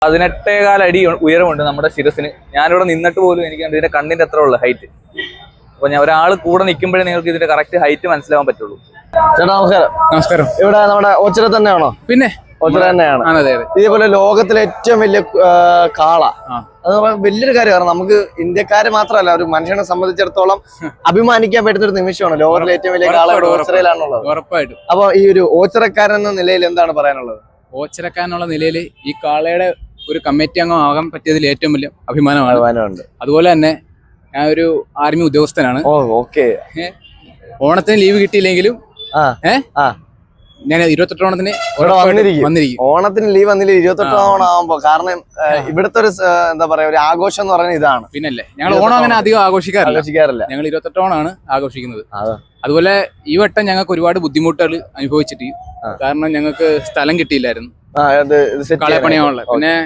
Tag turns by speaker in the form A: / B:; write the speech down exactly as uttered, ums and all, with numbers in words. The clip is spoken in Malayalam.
A: പതിനെട്ടേകാൽ അടി ഉയരമുണ്ട് നമ്മുടെ ശിരസിന്. ഞാനിവിടെ നിന്നിട്ട് പോലും എനിക്ക് ഇതിന്റെ കണ്ണിന്റെ അത്ര ഉള്ളു ഹൈറ്റ്. അപ്പൊ ഞാൻ ഒരാൾ കൂടെ നിൽക്കുമ്പോഴേ നിങ്ങൾക്ക് ഇതിന്റെ കറക്റ്റ് ഹൈറ്റ് മനസ്സിലാവാൻ പറ്റുള്ളൂ.
B: ചേട്ടാ നമസ്കാരം.
C: നമസ്കാരം.
B: ഇവിടെ നമ്മുടെ ഓച്ചിറ തന്നെയാണോ?
C: പിന്നെ
B: ഓച്ചിറ തന്നെയാണ്. ഇതേപോലെ ലോകത്തിലെ ഏറ്റവും വലിയ കാള, അത് വലിയൊരു കാര്യം. കാരണം നമുക്ക് ഇന്ത്യക്കാര് മാത്രമല്ല, ഒരു മനുഷ്യനെ സംബന്ധിച്ചിടത്തോളം അഭിമാനിക്കാൻ പറ്റുന്ന ഒരു നിമിഷമാണ്. ലോകത്തിലെ ഏറ്റവും വലിയ കാള ഇവിടെ ഓച്ചിറയിലാണുള്ളത്.
C: ഉറപ്പായിട്ടും.
B: അപ്പൊ ഈ ഒരു ഓച്ചിറക്കാരൻ എന്ന നിലയിൽ എന്താണ് പറയാനുള്ളത്?
C: ഓച്ചിറക്കാരനുള്ള നിലയിൽ ഈ കാളയുടെ ഒരു കമ്മിറ്റി അംഗം ആകാൻ പറ്റിയതിൽ ഏറ്റവും വലിയ അഭിമാനമാണ്.
B: അഭിമാനമുണ്ട്.
C: അതുപോലെ തന്നെ ഞാൻ ഒരു ആർമി ഉദ്യോഗസ്ഥനാണ്.
B: ഓ ഓക്കെ.
C: ഓണത്തിന് ലീവ് കിട്ടിയില്ലെങ്കിലും ഞാൻ ഇരുപത്തെട്ട് ഓണത്തിന്
B: വന്നിരിക്കും. ഓണത്തിന് ലീവ് വന്നില്ല ഇരുപത്തെട്ട് ഓണം ആവുമ്പോ. കാരണം ഇവിടുത്തെ ഒരു എന്താ പറയാ ഒരു ആഘോഷം എന്ന് പറയുന്നത് ഇതാണ്.
C: പിന്നല്ലേ, ഞങ്ങൾ ഓണം അങ്ങനെ അധികം ആഘോഷിക്കാറില്ല
B: ആഘോഷിക്കാറില്ല
C: ഞങ്ങൾ ഇരുപത്തെട്ട് ഓണാണ് ആഘോഷിക്കുന്നത്. അതുപോലെ ഈ വട്ടം ഞങ്ങൾക്ക് ഒരുപാട് ബുദ്ധിമുട്ടുകൾ അനുഭവിച്ചിട്ട്, കാരണം ഞങ്ങൾക്ക് സ്ഥലം കിട്ടിയില്ലായിരുന്നു കാളയെ പണിയാനുള്ള. പിന്നെ